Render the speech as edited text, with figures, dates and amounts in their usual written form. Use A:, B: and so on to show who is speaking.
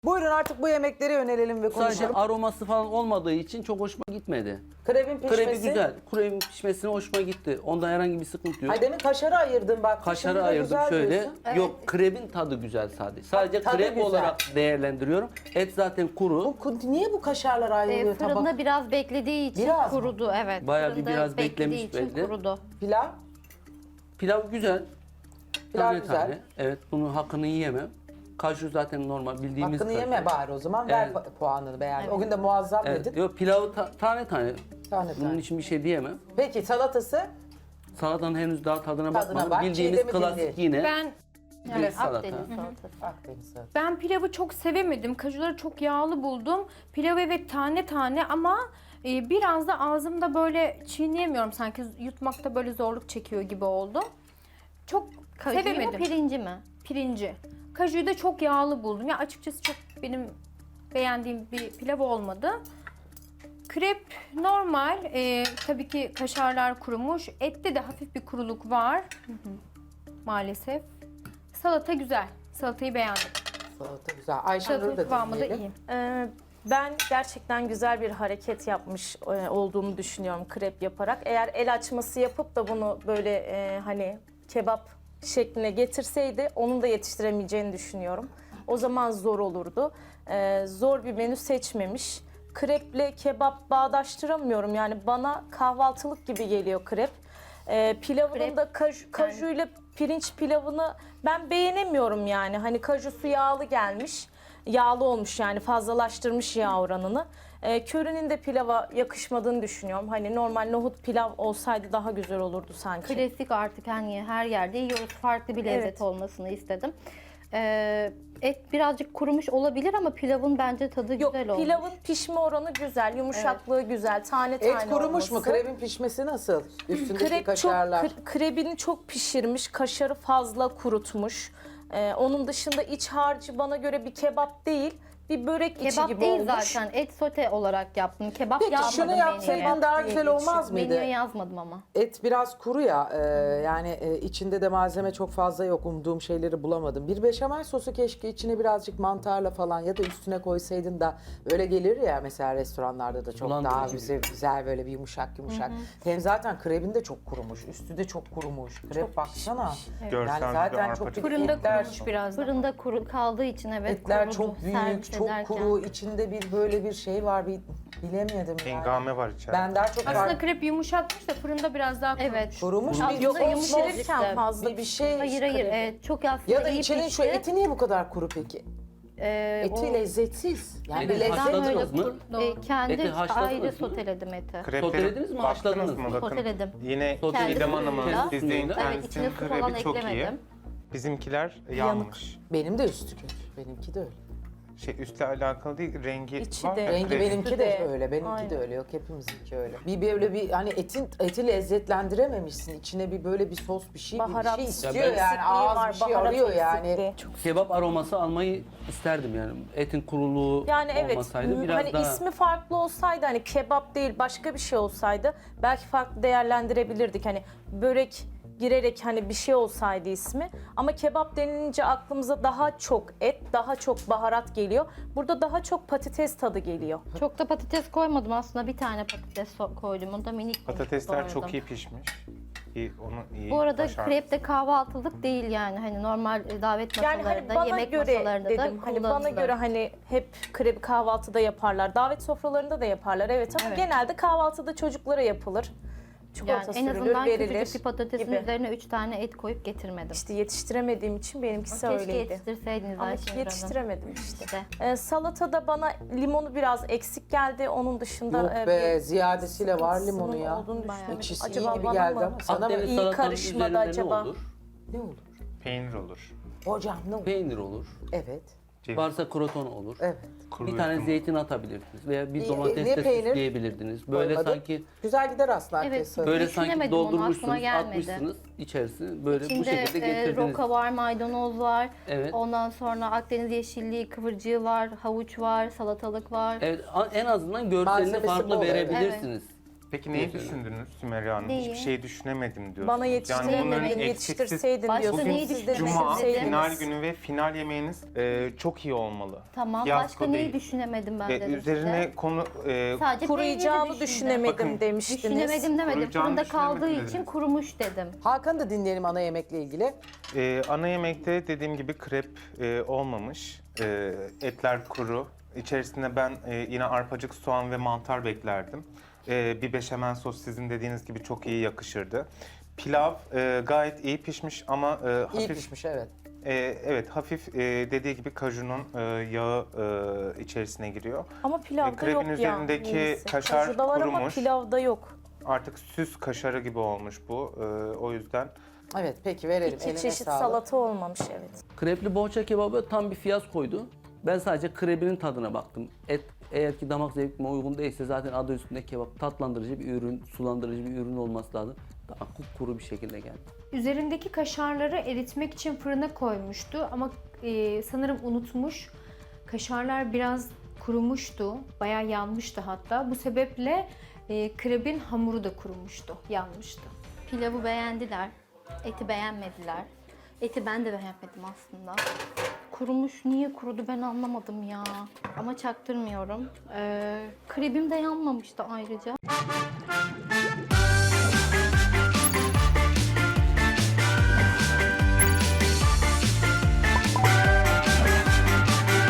A: Buyurun artık bu yemeklere yönelelim ve
B: Sadece
A: konuşalım.
B: aroması falan olmadığı için çok hoşuma gitmedi.
A: Krebin pişmesi.
B: Krebi güzel. Kremin pişmesine hoşuma gitti. Onda herhangi bir sıkıntı yok.
A: Ay demin kaşarı ayırdın bak.
B: Kaşarı
A: Şimdi de
B: ayırdım
A: güzel
B: şöyle.
A: diyorsun.
B: Yok, krebin tadı güzel sadece. Sadece
A: tadı
B: krep
A: güzel.
B: olarak değerlendiriyorum. Et zaten kuru.
A: Niye bu kaşarlar ayrılıyor
C: Fırında
A: tabak?
C: biraz beklediği için
A: Biraz mı?
C: kurudu. Evet.
B: Bayağı bir
C: Fırında
B: biraz
C: beklediği
B: beklemiş
C: için
B: belli.
C: kurudu.
A: Pilav?
B: Pilav güzel.
A: Pilav
B: Tane
A: güzel.
B: tane. Evet, bunun hakkını yiyemem. Kaju zaten normal bildiğimiz
A: Hakkını
B: kaju.
A: yeme bari o zaman. Ver
B: Evet.
A: puanını beğen. O gün de muazzam
B: Evet.
A: dedin.
B: Yok, pilavı tane tane.
A: Tane
B: Bunun
A: tane.
B: için bir şey diyemem.
A: Peki salatası?
B: Salatanın henüz daha tadına bakmadım.
A: bak,
B: Bildiğimiz
A: çiğdemi
B: klasik
A: dinleyin.
B: yine
D: Ben
B: bir salata.
C: Akdeniz salatası.
A: Akdeniz salatası.
D: ben pilavı çok sevemedim. Kajuları çok yağlı buldum. Pilav evet tane tane ama biraz da ağzımda böyle çiğneyemiyorum. Sanki yutmakta böyle zorluk çekiyor gibi oldu. Çok
C: Kajuyu mu
D: sevemedim.
C: pirinci mi?
D: Pirinci. Kajuyu da çok yağlı buldum. Ya açıkçası çok benim beğendiğim bir pilav olmadı. Krep normal. Tabii ki kaşarlar kurumuş. Ette de hafif bir kuruluk var. Maalesef. Salata güzel. Salatayı beğendim.
A: Salata güzel. Ayşenur'u
D: Salatanın
A: da
D: kıvamı da
A: dinleyelim.
D: iyi.
E: Ben gerçekten güzel bir hareket yapmış olduğumu düşünüyorum krep yaparak. Eğer el açması yapıp da bunu böyle hani kebap şekline getirseydi onun da yetiştiremeyeceğini düşünüyorum. O zaman zor olurdu. Zor bir menü seçmemiş. Kreple kebap bağdaştıramıyorum. Yani bana kahvaltılık gibi geliyor krep. Pilavının
C: Krep,
E: da kajuyla pirinç pilavını ben beğenemiyorum yani. Hani kajusu yağlı gelmiş. Yağlı olmuş yani fazlalaştırmış yağ oranını. Köri'nin de pilava yakışmadığını düşünüyorum. Hani normal nohut pilav olsaydı daha güzel olurdu sanki.
C: Klasik artık hani her yerde yiyoruz. Farklı bir lezzet
E: Evet.
C: olmasını istedim. Et birazcık kurumuş olabilir ama pilavın bence tadı
E: Yok,
C: güzel olmuş.
E: pilavın pişme oranı güzel, yumuşaklığı güzel, tane tane
A: Et kurumuş mu?
E: olması.
A: Krebin pişmesi nasıl? Üstündeki
E: Krep
A: kaşarlar.
E: krebini çok pişirmiş, kaşarı fazla kurutmuş. Onun dışında iç harcı bana göre bir kebap değil, bir börek içi
C: Kebap
E: gibi
C: değil
E: olmuş.
C: zaten. Et sote olarak yaptım. Kebap
A: Peki
C: yapmadım
A: şunu
C: menüye.
A: yapsaydın daha güzel olmaz mıydı?
C: Menüye yazmadım ama.
A: Et biraz kuru ya, yani içinde de malzeme çok fazla yok, umduğum şeyleri bulamadım. Bir beşamel sosu keşke içine birazcık mantarla falan ya da üstüne koysaydın da öyle gelir ya mesela restoranlarda da çok
B: Bulandırıcı
A: daha
B: gibi.
A: güzel böyle bir yumuşak. Hem zaten krebin de çok kurumuş, üstü de çok kurumuş. Krep baksana.
F: Görsel
A: Yani
F: bir
A: zaten
F: arpa
A: çok
D: Fırında
A: etler,
D: kurumuş biraz da.
C: Fırında kuru kaldığı için evet
A: etler
C: kurudu.
A: çok büyük,
C: Servis
A: çok
C: ederken.
A: kuru, içinde bir böyle bir şey var, bir bilemedim yani.
F: Hengame var içeride.
A: Ben daha çok
D: Aslında
A: var.
D: krep yumuşakmış da fırında biraz daha kurumuş.
C: Evet.
A: Kurumuş
C: Aslında
A: bir yok
C: yumuşacık
E: Pişirirken
C: işte.
E: fazla
A: bir şey.
C: Hayır hayır çok aslında
A: Ya da
C: iyi
A: içinin
C: pişti.
A: şu eti niye bu kadar kuru peki? Eti
C: o-
A: lezzetsiz. Yani
B: Eti
A: bir lezzet
B: haşladınız
A: yok.
B: mı?
C: Kendi
B: Eti haşladınız
C: ayrı
B: mı?
C: soteledim eti.
F: Krepleri
B: Sotelediniz mi,
F: baktınız
B: haşladınız
F: mı?
B: mı?
F: Bakın,
C: Soteledim.
F: yine
B: Kendi
F: Didem Hanım'ın
C: suyuyla.
F: sizde
B: Evet,
F: internetin
C: içine su falan
F: krebi çok iyi.
C: eklemedim.
F: Bizimkiler yanmış.
A: Benim de üstü kötü. Benimki de öyle.
F: Üstle alakalı değil, rengi
E: İçi
F: var.
E: de.
F: ya,
A: Rengi
F: krep.
A: benimki de
E: de.
A: öyle. Benimki
E: Aynen.
A: de öyle. Yok hepimizinki öyle. Bir böyle bir hani eti lezzetlendirememişsin. İçine bir böyle bir sos bir şey
E: Baharat
A: bir şey istiyor
B: Ya ben-
A: yani. Ağız bir şey arıyor yani.
B: Kebap aroması almayı isterdim yani. Etin kuruluğu
E: Yani evet,
B: olmasaydı biraz
E: hani
B: daha...
E: ismi farklı olsaydı, hani kebap değil başka bir şey olsaydı belki farklı değerlendirebilirdik. Hani börek girerek hani bir şey olsaydı ismi. Ama kebap denilince aklımıza daha çok et, daha çok baharat geliyor. Burada daha çok patates tadı geliyor.
C: Çok da patates koymadım aslında. Bir tane patates koydum. O da minik.
F: Patatesler çok
C: doğradım.
F: iyi pişmiş. Onu iyi
C: Bu arada
F: başarmış.
C: krep de kahvaltılık değil yani. Hani normal davet
E: Yani
C: masalarında,
E: hani bana
C: yemek
E: göre
C: masalarında
E: dedim,
C: da
E: hani bana
C: kullanılır.
E: göre hani hep krebi kahvaltıda yaparlar. Davet sofralarında da yaparlar evet ama
C: Evet.
E: genelde kahvaltıda çocuklara yapılır. Çikolata
C: Yani en
E: sürülür,
C: azından
E: verilir
C: küçücük bir patatesin
E: gibi.
C: üzerine 3 tane et koyup getirmedim.
E: İşte yetiştiremediğim için benimkisi
C: Keşke
E: öyleydi.
C: yetiştirseydiniz
E: Ama
C: Ayşenur Hanım.
E: yetiştiremedim işte.
C: İşte.
E: Salatada bana limonu biraz eksik geldi. Onun dışında
A: Yok be
E: bir
A: ziyadesiyle var limonu
E: sıkıntısının
A: ya.
E: olduğunu düşünüyorum.
A: Ekşisi
E: Acaba
A: iyi gibi
E: bana
A: geldi
E: mı?
A: ama sana mı?
B: Akdeniz
E: iyi
B: salatanın
E: karışmadı
B: üzerinde
E: acaba?
B: ne olur?
A: Ne olur?
F: Peynir olur.
A: Hocam ne olur?
B: Peynir olur.
A: Evet.
F: Ceviz.
B: Varsa kroton olur.
A: Evet.
F: Kuru
B: Bir tane
F: üzüm
B: zeytin atabilirdiniz veya bir
A: Ne
B: domates de
A: peynir?
B: süsleyebilirdiniz. Böyle
A: Koymadım.
B: sanki
A: Güzel gider aslında
C: Evet,
A: herkes
B: böyle
C: Düşünemedim
B: sanki
C: onu, aklıma
B: doldurmuşsunuz,
C: gelmedi.
B: atmışsınız içerisine böyle bu
C: İçinde
B: şekilde getirdiniz.
C: roka var, maydanoz var.
B: Evet.
C: Ondan sonra Akdeniz yeşilliği, kıvırcığı var, havuç var, salatalık var.
B: Evet, en azından görselini
A: Malzemesi
B: farklı
A: bol, evet.
B: verebilirsiniz.
F: Peki neyi düşündünüz Sümeyra Hanım?
D: Neyi?
F: Hiçbir şey düşünemedim diyorsunuz.
E: Bana
F: bunların
E: yetiştiremedin,
F: eksiksiz-
E: yetiştirseydin
C: Başka
E: diyorsun.
C: neyi
E: Siz de
F: Cuma
C: düşünemedim?
F: final günü ve final yemeğiniz çok iyi olmalı.
C: Tamam.
F: Fiyasko
C: Başka neyi
F: değil.
C: düşünemedim ben dedim
F: Üzerine
C: size.
F: konu
C: Sadece
E: Kuruyacağını
C: peyniri
E: düşünemedim
F: Bakın,
E: demiştiniz.
C: Düşünemedim demedim.
F: Kuruyacağını
C: Fırında kaldığı
F: düşünemedim
C: için
F: dediniz.
C: kurumuş dedim.
A: Hakan'ı da dinleyelim ana yemekle ilgili.
F: ana yemekte dediğim gibi krep olmamış. Etler kuru. İçerisinde ben yine arpacık, soğan ve mantar beklerdim. Bir beşamel sos sizin dediğiniz gibi çok iyi yakışırdı. Pilav gayet iyi pişmiş ama
A: İyi
F: hafif
A: pişmiş evet.
F: evet hafif dediği gibi kajunun yağı içerisine giriyor.
E: Ama pilavda
F: Krebin
E: yok ya.
F: üzerindeki
E: neyse.
F: kaşar
E: Kaşarda var ama
F: kurumuş.
E: pilavda yok.
F: Artık süs kaşarı gibi olmuş bu. O yüzden
A: Evet peki verelim.
E: İki
A: Eline
E: çeşit
A: sağlık.
E: salata olmamış evet.
B: Krepli boğaça kebabı tam bir fiyaskoydu. Ben sadece krebinin tadına baktım. Et eğer ki damak zevkime uygun değilse zaten adı üstünde kebap. Tatlandırıcı bir ürün, sulandırıcı bir ürün olması lazım. Daha kuru bir şekilde geldi.
D: Üzerindeki kaşarları eritmek için fırına koymuştu ama sanırım unutmuş. Kaşarlar biraz kurumuştu, bayağı yanmıştı hatta. Bu sebeple krebin hamuru da kurumuştu, yanmıştı.
C: Pilavı beğendiler. Eti beğenmediler. Eti ben de beğenmedim aslında. Kurumuş. Niye kurudu ben anlamadım ya. Ama çaktırmıyorum. Krebim de yanmamıştı ayrıca.